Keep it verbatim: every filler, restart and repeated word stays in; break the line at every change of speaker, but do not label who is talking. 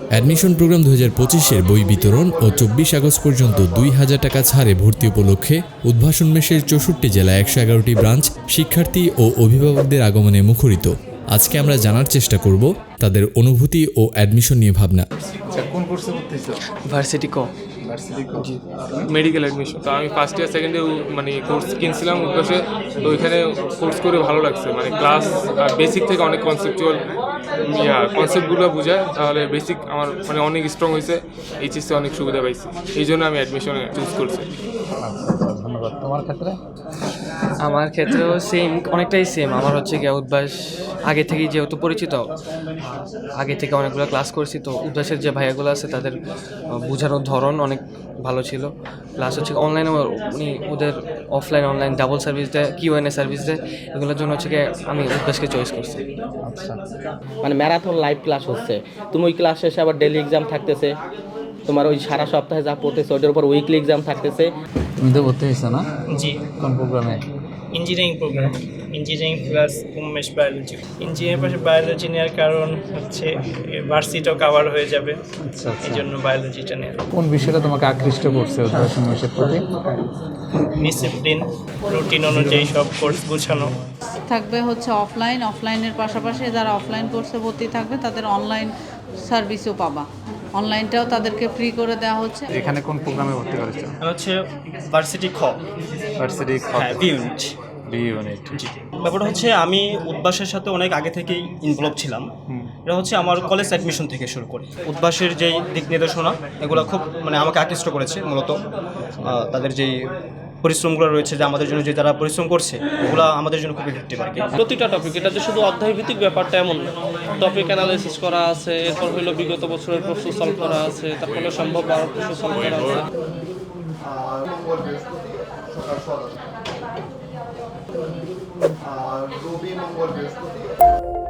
Admission program দুই হাজার পঁচিশের বই বিতরণ ও চব্বিশ আগস্ট পর্যন্ত দুই হাজার টাকা ছাড়ে ভর্তি উপলক্ষে উদ্ভাসন মেশের চৌষট্টি জেলায় একশো এগারোটি ব্রাঞ্চ শিক্ষার্থী ও অভিভাবকদের আগমনে মুখরিত। আজকে আমরা জানার চেষ্টা করব তাদের অনুভূতি ও অ্যাডমিশন নিয়ে ভাবনা।
কোন কোর্সে ভর্তি হইছো?
ভার্সিটি ক
ভার্সিটি কো?
জি মেডিকেল অ্যাডমিশন। তো আমি ফার্স্ট ইয়ার সেকেন্ড ইয়ার মানে কোর্স কিনছিলাম উদ্ভাসে। তো ওইখানে কোর্স করে ভালো লাগছে, মানে ক্লাস বেসিক থেকে অনেক কনসেপচুয়াল ইয়া কনসেপ্টগুলো বোঝায়, তাহলে বেসিক আমার মানে অনেক স্ট্রং হয়েছে। এইচএসসি অনেক সুবিধা পাইছি, এই জন্য আমি অ্যাডমিশনে চুজ করছি।
ধন্যবাদ। তোমার ক্ষেত্রে?
আমার ক্ষেত্রেও সেম, অনেকটাই সেম। আমার হচ্ছে গিয়ে উদ্ভাস আগে থেকেই যেহেতু পরিচিত, আগে থেকে অনেকগুলো ক্লাস করছি, তো উদ্ভাসের যে ভাইয়াগুলো আছে তাদের বোঝানোর ধরন অনেক ভালো ছিল। প্লাস হচ্ছে অনলাইনে উনি ওদের অফলাইন অনলাইন ডাবল সার্ভিস দেয়, কিউএনএ সার্ভিস দেয়, এগুলোর জন্য হচ্ছে গিয়ে আমি উদ্ভাসকে চয়েস করছি।
আচ্ছা,
মানে ম্যারাথন লাইভ ক্লাস হচ্ছে, তুমি ওই ক্লাস শেষে আবার ডেলি এক্সাম থাকতেছে, তোমার ওই সারা সপ্তাহে যা পড়তেছে ওটার উপর উইকলি এক্সাম থাকতেছে।
তুমি তো ভর্তি হয়েছো না?
জি,
কোন প্রোগ্রামে?
ইঞ্জিনিয়ারিং প্রোগ্রাম, ইঞ্জিনিয়ারিং প্লাস উমেশ বায়োলজি। ইঞ্জিনিয়ারিং পাশে বায়োলজি নেওয়ার কারণ হচ্ছে ভার্সিটিও কাভার হয়ে যাবে,
আচ্ছা আচ্ছা।
এই জন্য বায়োলজিটা নেওয়া।
কোন বিষয়টা তোমাকে আকৃষ্ট করছে উদ্ভাসন মেশের প্রতি?
ডিসিপ্লিন, রুটিন অনুযায়ী সব কোর্স গুছানো।
থাকবে হচ্ছে অফলাইন, অফলাইনের পাশাপাশি যারা অফলাইন কোর্সে ভর্তি থাকবে তাদের অনলাইন সার্ভিসও পাবা, অনলাইনটাও তাদেরকে ফ্রি করে দেওয়া হচ্ছে।
এখানে কোন প্রোগ্রামে ভর্তি করেছো?
আর হচ্ছে ভার্সিটি খ,
ভার্সিটি
হ্যাঁ বি ইউনিট।
B unit.
ব্যাপারটা হচ্ছে আমি উদ্ভাসের সাথে অনেক আগে থেকেই ইনভলভ ছিলাম। এটা হচ্ছে আমার কলেজ অ্যাডমিশন থেকে শুরু করে উদ্ভাসের যেই দিক নির্দেশনা এগুলো খুব মানে আমাকে আকৃষ্ট করেছে। মূলত আহ, তাদের যেই পরিশ্রমগুলো রয়েছে, যে আমাদের জন্য যে তারা পরিশ্রম করছে ওগুলো আমাদের জন্য খুব ইফেক্টিভ আর কি।
প্রতিটা টপিক, এটা যে শুধু অধ্যায়ভিত্তিক ব্যাপারটা এমন না, টপিক অ্যানালাইসিস করা আছে, এরপর হইলো বিগত বছরের প্রশ্ন সলভ করা আছে, তারপরে সম্ভব আরও প্রশ্ন সলভ করা আছে।
আর রবি মঙ্গল বৃহস্পতি